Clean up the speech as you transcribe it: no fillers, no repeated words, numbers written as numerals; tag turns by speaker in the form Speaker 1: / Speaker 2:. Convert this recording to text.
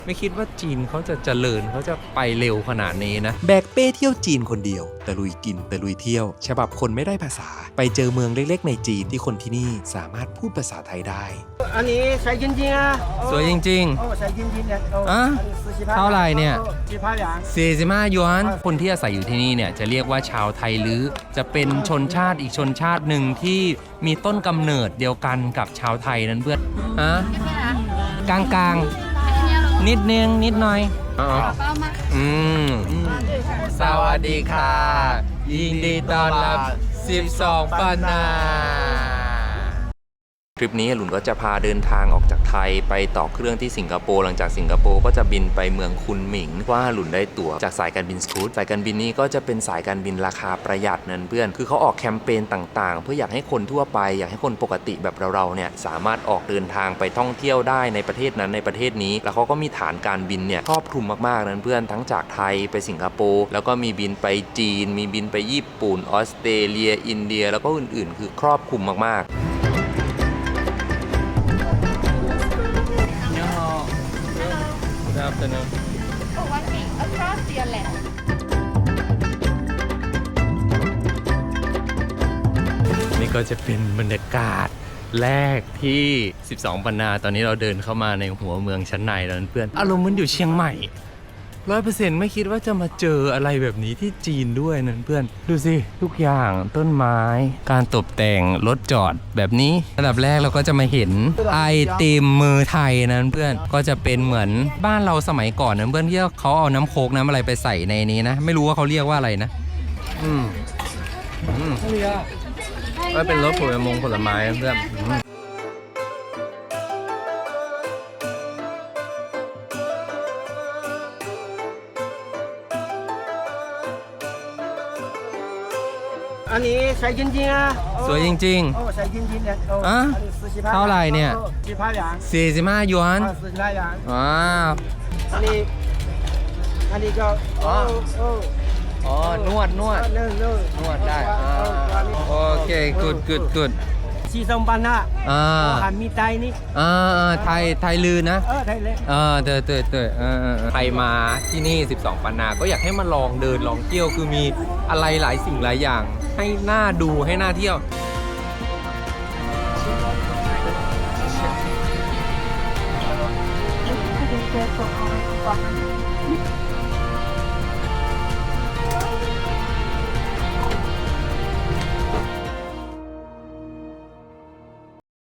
Speaker 1: ไม่คิดว่าจีนเขาจะเจริญเขาจะไปเร็วขนาดนี้นะ
Speaker 2: แบกเป้เที่ยวจีนคนเดียวตะลุยกินตะลุยเที่ยวฉบับคนไม่ได้ภาษาไปเจอเมืองเล็กๆในจีนที่คนที่นี่สามารถพูดภาษาไทยได้
Speaker 3: อันนี้ใส่จริงๆอ่ะ
Speaker 1: สวยจริง
Speaker 3: ๆใส่จริงๆเนี่ย
Speaker 1: เท่าไหร่เนี่ย
Speaker 3: 45 หยวน
Speaker 1: คนที่อาศัยอยู่ที่นี่เนี่ยจะเรียกว่าชาวไทยลื้อจะเป็นชนชาติอีกชนชาติหนึ่งที่มีต้นกำเนิดเดียวกันกับชาวไทยนั้นเพื่อนฮะกลางๆนิดนึงนิดหน่อยสวัสดีค่ะยินดีต้อนรับ12ปันนาทริปนี้หลุนก็จะพาเดินทางออกจากไทยไปต่อเครื่องที่สิงคโปร์หลังจากสิงคโปร์ก็จะบินไปเมืองคุนหมิงว่าหลุนได้ตั๋วจากสายการบินสกู๊ตสายการบินนี้ก็จะเป็นสายการบินราคาประหยัดนั่นเพื่อนคือเขาออกแคมเปญต่างๆเพื่ออยากให้คนทั่วไปอยากให้คนปกติแบบเราเนี่ยสามารถออกเดินทางไปท่องเที่ยวได้ในประเทศนั้นในประเทศนี้แล้วเขาก็มีฐานการบินเนี่ยครอบคลุมมากๆนั่นเพื่อนทั้งจากไทยไปสิงคโปร์แล้วก็มีบินไปจีนมีบินไปญี่ปุ่นออสเตรเลียอินเดียแล้วก็อื่นๆคือครอบคลุมมากๆนี่ก็จะเป็นบรรยากาศแรกที่12ปันนาตอนนี้เราเดินเข้ามาในหัวเมืองชั้นในแล้วเพื่อนอารมณ์มันอยู่เชียงใหม่ 100% ไม่คิดว่าจะมาเจออะไรแบบนี้ที่จีนด้วยนั่นเพื่อนดูสิทุกอย่างต้นไม้การตกแต่งรถจอดแบบนี้อันดับแรกเราก็จะมาเห็นไอติมมือไทยนั่นเพื่อนก็จะเป็นเหมือนบ้านเราสมัยก่อนนั่นเพื่อนที่เขาเอาน้ำโคกน้ำอะไรไปใส่ในนี้นะไม่รู้ว่าเขาเรียกว่าอะไรนะก็เป็นรถผลไม้เพื่อน
Speaker 3: อันนี้ใส่จริงๆอ่ะ
Speaker 1: สวยจริง
Speaker 3: ๆใส่จริงๆเนี่ย
Speaker 1: เท่าไหร่เนี่ย
Speaker 3: 45 หยวน
Speaker 1: 45 หยวนว้าว
Speaker 3: อันนี้ก็
Speaker 1: นวดได้โอเคgood
Speaker 3: 12ปันนาหันมีไตนี่
Speaker 1: ไทยลือนะ
Speaker 3: ไทยเลย
Speaker 1: ใครมาที่นี่12ปันนาก็อยากให้มาลองเดินลองเที่ยวคือมีอะไรหลายสิ่งหลายอย่างให้น่าดูให้น่าเที่ยว